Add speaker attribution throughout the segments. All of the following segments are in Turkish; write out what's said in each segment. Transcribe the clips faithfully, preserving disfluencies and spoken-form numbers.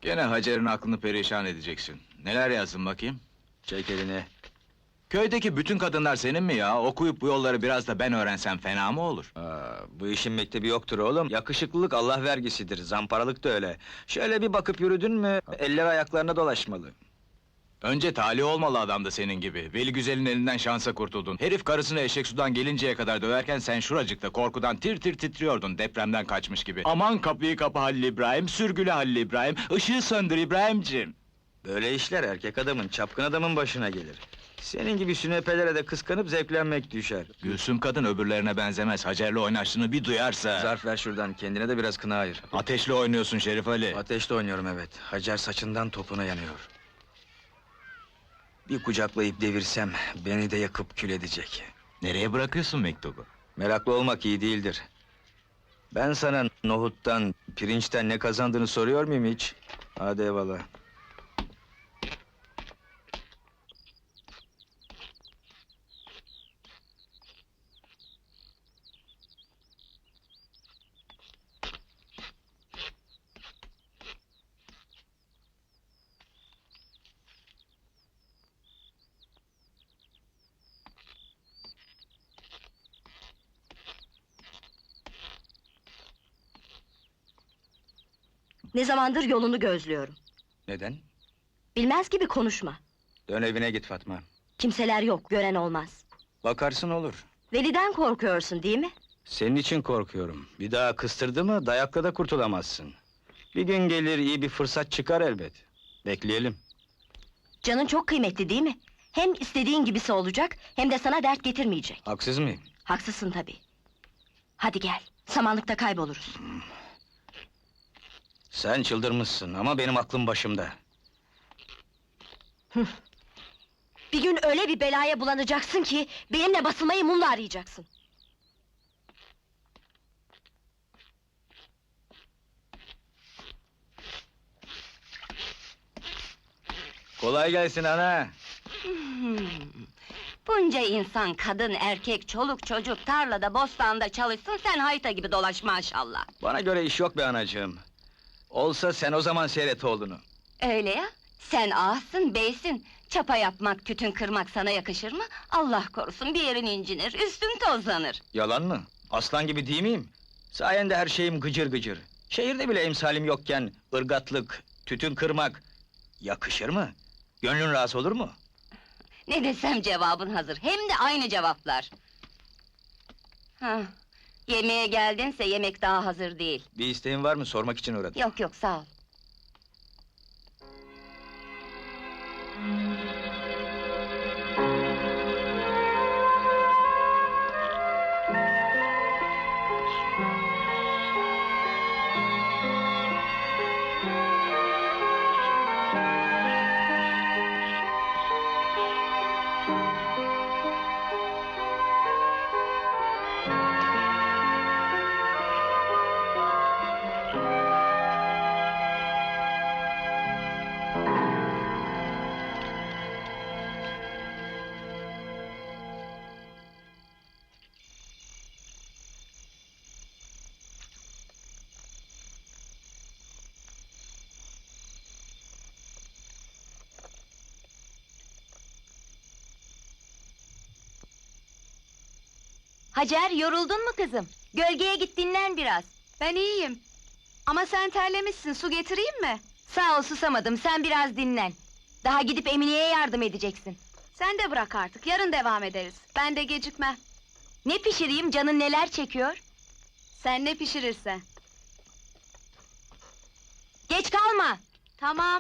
Speaker 1: Gene Hacer'in aklını perişan edeceksin. Neler yazdın bakayım?
Speaker 2: Çek elini.
Speaker 1: Köydeki bütün kadınlar senin mi ya? Okuyup bu yolları biraz da ben öğrensem fena mı olur?
Speaker 2: Aa, bu işin mektebi yoktur oğlum. Yakışıklılık Allah vergisidir, zamparalık da öyle. Şöyle bir bakıp yürüdün mü, eller ayaklarına dolaşmalı.
Speaker 1: Önce talih olmalı adam da senin gibi. Veli Güzel'in elinden şansa kurtuldun. Herif karısını eşek sudan gelinceye kadar döverken sen şuracıkta korkudan tir tir titriyordun depremden kaçmış gibi. Aman kapıyı kapa Halil İbrahim, sürgüle Halil İbrahim, ışığı söndür İbrahimciğim.
Speaker 2: Böyle işler erkek adamın, çapkın adamın başına gelir. Senin gibi sünepelere de kıskanıp zevklenmek düşer.
Speaker 1: Gülsüm kadın öbürlerine benzemez. Hacer'le oynaştığını bir duyarsa...
Speaker 2: Zarf ver şuradan, kendine de biraz kına ayır.
Speaker 1: Ateşle oynuyorsun Şerif Ali.
Speaker 2: Ateşle oynuyorum evet. Hacer saçından topuna yanıyor. Bir kucaklayıp devirsem, beni de yakıp kül edecek.
Speaker 1: Nereye bırakıyorsun mektubu?
Speaker 2: Meraklı olmak iyi değildir. Ben sana nohuttan, pirinçten ne kazandığını soruyor muyum hiç? Hadi eyvallah.
Speaker 3: Ne zamandır yolunu gözlüyorum.
Speaker 2: Neden?
Speaker 3: Bilmez gibi konuşma.
Speaker 2: Dön evine git Fatma.
Speaker 3: Kimseler yok, gören olmaz.
Speaker 2: Bakarsın olur.
Speaker 3: Veli'den korkuyorsun değil mi?
Speaker 2: Senin için korkuyorum. Bir daha kıstırdı mı dayakla da kurtulamazsın. Bir gün gelir iyi bir fırsat çıkar elbet. Bekleyelim.
Speaker 3: Canın çok kıymetli değil mi? Hem istediğin gibisi olacak, hem de sana dert getirmeyecek.
Speaker 2: Haksız mıyım?
Speaker 3: Haksızsın tabii. Hadi gel, samanlıkta kayboluruz.
Speaker 2: Sen çıldırmışsın ama benim aklım başımda.
Speaker 3: Bir gün öyle bir belaya bulanacaksın ki... ...benimle basılmayı mumla arayacaksın.
Speaker 2: Kolay gelsin ana.
Speaker 4: Hmm. Bunca insan, kadın, erkek, çoluk, çocuk, tarlada, bostanda çalışsın, sen hayta gibi dolaş maşallah.
Speaker 2: Bana göre iş yok be anacığım. Olsa sen o zaman seyret oğlunu.
Speaker 4: Öyle ya, sen ağasın, beysin. Çapa yapmak, tütün kırmak sana yakışır mı? Allah korusun, bir yerin incinir, üstün tozlanır.
Speaker 2: Yalan mı? Aslan gibi değil miyim? Sayende her şeyim gıcır gıcır. Şehirde bile emsalim yokken, ırgatlık, tütün kırmak... yakışır mı? Gönlün rahatsız olur mu?
Speaker 4: Ne desem cevabın hazır, hem de aynı cevaplar. Hah, yemeğe geldinse yemek daha hazır değil.
Speaker 2: Bir isteğin var mı? Sormak için uğradım.
Speaker 4: Yok yok, sağ ol.
Speaker 3: Hacer, yoruldun mu kızım? Gölgeye git dinlen biraz.
Speaker 5: Ben iyiyim. Ama sen terlemişsin, su getireyim mi?
Speaker 3: Sağ ol, susamadım, sen biraz dinlen. Daha gidip Emine'ye yardım edeceksin.
Speaker 5: Sen de bırak artık, yarın devam ederiz. Ben de gecikmem.
Speaker 3: Ne pişireyim, canın neler çekiyor?
Speaker 5: Sen ne pişirirsen.
Speaker 3: Geç kalma!
Speaker 5: Tamam.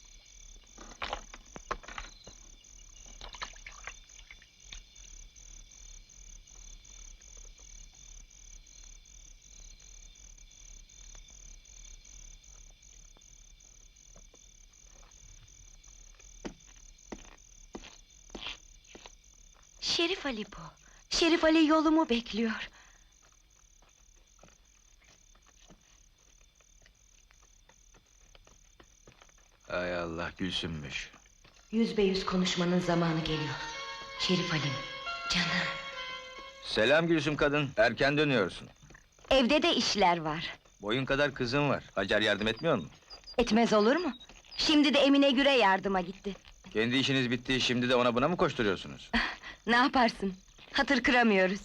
Speaker 3: Şerif Ali bu. Şerif Ali yolumu bekliyor.
Speaker 2: Hay Allah, Gülsümmüş.
Speaker 3: Yüz be yüz konuşmanın zamanı geliyor. Şerif Ali'm, canım.
Speaker 2: Selam Gülsüm kadın, erken dönüyorsun.
Speaker 3: Evde de işler var.
Speaker 2: Boyun kadar kızın var, Hacer yardım etmiyor mu?
Speaker 3: Etmez olur mu? Şimdi de Emine Gür'e yardıma gitti.
Speaker 2: Kendi işiniz bitti, şimdi de ona buna mı koşturuyorsunuz?
Speaker 3: Ne yaparsın? Hatır kıramıyoruz.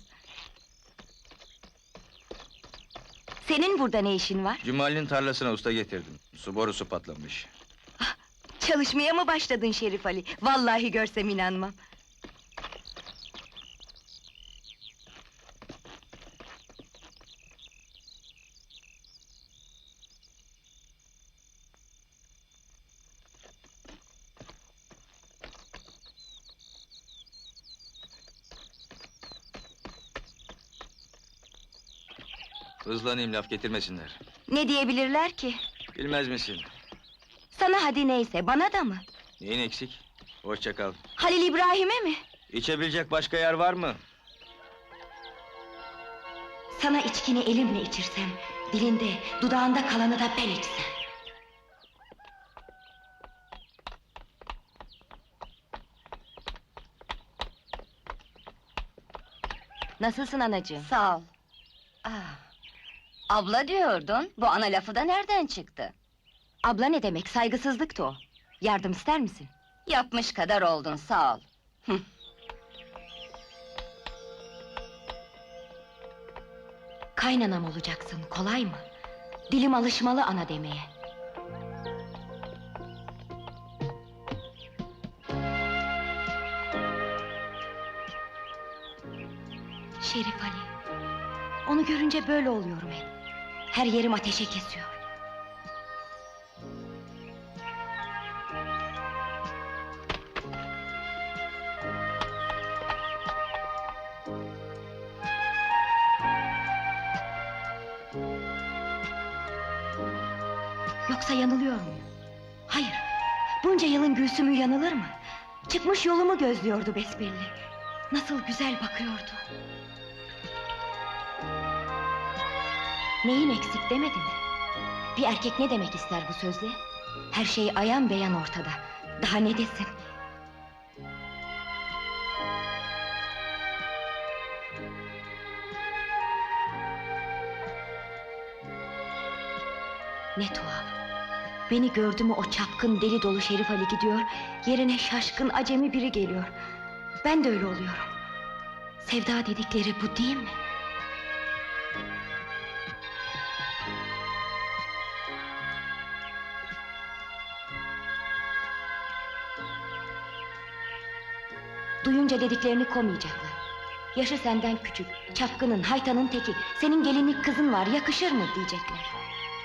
Speaker 3: Senin burada ne işin var?
Speaker 2: Cumali'nin tarlasına usta getirdim. Su borusu patlamış.
Speaker 3: Çalışmaya mı başladın Şerif Ali? Vallahi görsem inanmam.
Speaker 2: Hızlanayım, laf getirmesinler.
Speaker 3: Ne diyebilirler ki?
Speaker 2: Bilmez misin?
Speaker 3: Sana hadi neyse, bana da mı?
Speaker 2: Neyin eksik? Hoşça kal.
Speaker 3: Halil İbrahim'e mi?
Speaker 2: İçebilecek başka yer var mı?
Speaker 3: Sana içkini elimle içirsem, dilinde, dudağında kalanı da ben içsem. Nasılsın anacığım?
Speaker 4: Sağ ol. Ah, abla diyordun, bu ana lafı da nereden çıktı?
Speaker 3: Abla ne demek, saygısızlıktı o. Yardım ister misin?
Speaker 4: Yapmış kadar oldun, sağ ol.
Speaker 3: Kaynanam olacaksın, kolay mı? Dilim alışmalı ana demeye. Şerif Ali, onu görünce böyle oluyorum hep. Her yerim ateşe kesiyor. Yoksa yanılıyor muyum? Hayır, bunca yılın Gülsüm'ü yanılır mı? Çıkmış yolumu gözlüyordu besbelli. Nasıl güzel bakıyordu. Neyin eksik demedin mi? Bir erkek ne demek ister bu sözle? Her şey ayan beyan ortada. Daha ne desin? Ne tuhaf! Beni gördü mü o çapkın deli dolu Şerif Ali gidiyor, yerine şaşkın acemi biri geliyor. Ben de öyle oluyorum. Sevda dedikleri bu değil mi? Duyunca dediklerini komayacaklar. Yaşı senden küçük, çapkının, haytanın teki, senin gelinlik kızın var, yakışır mı diyecekler.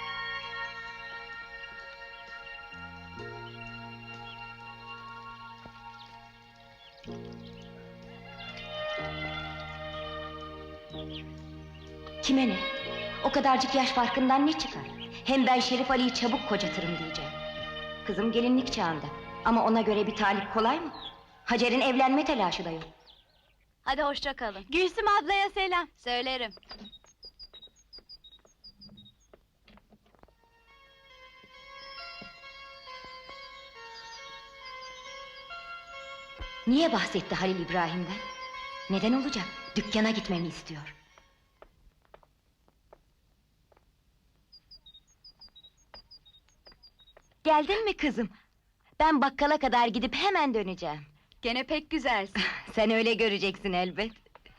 Speaker 3: Kime ne? O kadarcık yaş farkından ne çıkar? Hem ben Şerif Ali'yi çabuk kocatırım diyeceğim. Kızım gelinlik çağında. Ama ona göre bir talip kolay mı? Hacer'in evlenme telaşı da yok.
Speaker 5: Hadi hoşça kalın. Gülsüm ablaya selam. Söylerim.
Speaker 3: Niye bahsetti Halil İbrahim'den? Neden olacak? Dükkana gitmemi istiyor. Geldin mi kızım? Ben bakkala kadar gidip hemen döneceğim.
Speaker 5: Gene pek güzelsin.
Speaker 3: Sen öyle göreceksin elbet.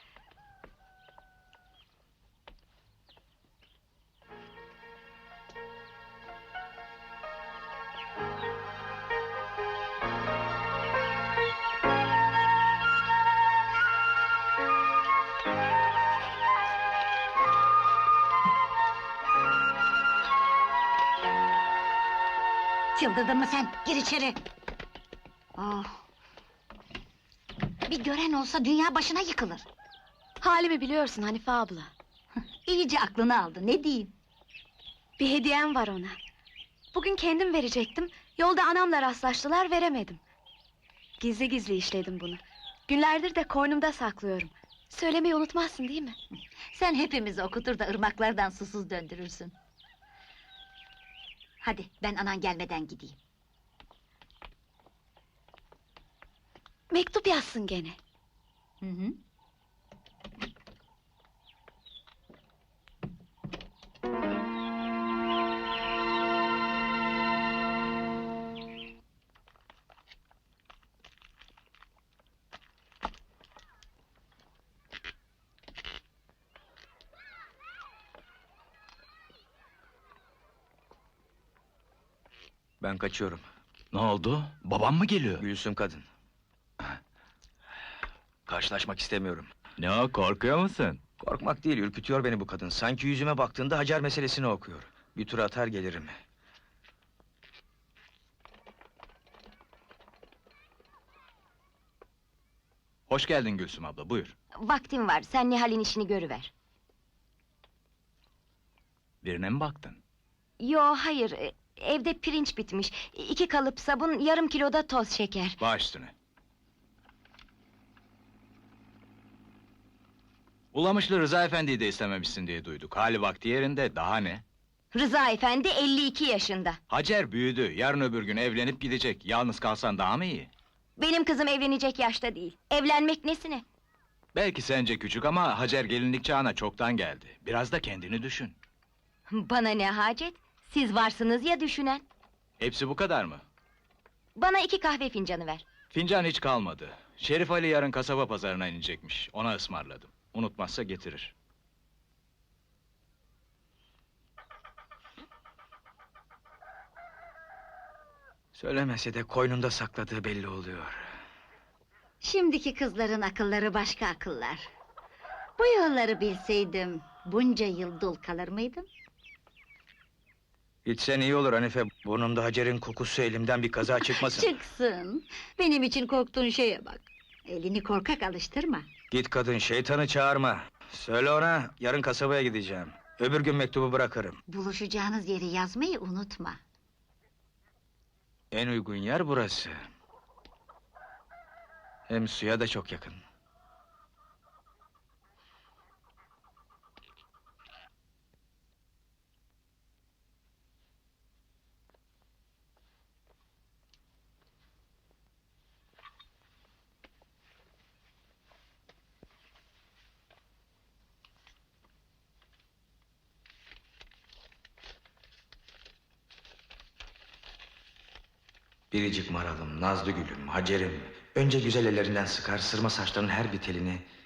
Speaker 6: Çıldırdın mı sen? Gir içeri! Ah! Bir gören olsa dünya başına yıkılır.
Speaker 5: Halimi biliyorsun Hanife abla.
Speaker 6: İyice aklını aldı, ne diyeyim?
Speaker 5: Bir hediyem var ona. Bugün kendim verecektim. Yolda anamla rastlaştılar, veremedim. Gizli gizli işledim bunu. Günlerdir de koynumda saklıyorum. Söylemeyi unutmazsın değil mi?
Speaker 6: Sen hepimizi okutur da ırmaklardan susuz döndürürsün. Hadi, ben anan gelmeden gideyim.
Speaker 5: Mektup yazsın gene.
Speaker 6: Hı hı.
Speaker 2: Ben kaçıyorum.
Speaker 1: Ne oldu? Babam mı geliyor?
Speaker 2: Gülsüm kadın. Karşılaşmak istemiyorum.
Speaker 1: Ne o, korkuyor musun?
Speaker 2: Korkmak değil, ürkütüyor beni bu kadın. Sanki yüzüme baktığında Hacer meselesini okuyor. Bir tur atar gelirim.
Speaker 1: Hoş geldin Gülsüm abla, buyur.
Speaker 3: Vaktim var, sen Nihal'in işini görüver.
Speaker 1: Birine mi baktın?
Speaker 3: Yo, hayır, e, evde pirinç bitmiş. İki kalıp sabun, yarım kiloda toz şeker.
Speaker 1: Baş üstüne. Ulamışlı Rıza Efendi'yi de istememişsin diye duyduk. Hali vakti yerinde, daha ne?
Speaker 3: Rıza efendi elli iki yaşında.
Speaker 1: Hacer büyüdü, yarın öbür gün evlenip gidecek. Yalnız kalsan daha mı iyi?
Speaker 3: Benim kızım evlenecek yaşta değil. Evlenmek nesine?
Speaker 1: Belki sence küçük ama Hacer gelinlik çağına çoktan geldi. Biraz da kendini düşün.
Speaker 3: Bana ne hacet? Siz varsınız ya düşünen.
Speaker 1: Hepsi bu kadar mı?
Speaker 3: Bana iki kahve fincanı ver.
Speaker 1: Fincan hiç kalmadı. Şerif Ali yarın kasaba pazarına inecekmiş. Ona ısmarladım. Unutmazsa getirir.
Speaker 2: Söylemese de koynunda sakladığı belli oluyor.
Speaker 6: Şimdiki kızların akılları başka akıllar. Bu yolları bilseydim bunca yıl dul kalır mıydım?
Speaker 2: Gitsen iyi olur Hanife. Burnumda Hacer'in kokusu, elimden bir kaza çıkmasın.
Speaker 6: Çıksın. Benim için korktuğun şeye bak. Elini korkak alıştırma.
Speaker 2: Git kadın, şeytanı çağırma. Söyle ona, yarın kasabaya gideceğim. Öbür gün mektubu bırakırım.
Speaker 6: Buluşacağınız yeri yazmayı unutma.
Speaker 2: En uygun yer burası. Hem suya da çok yakın. Biricik maralım, nazlı gülüm, Hacer'im. Önce güzel ellerinden sıkar, sırma saçlarının her bir telini...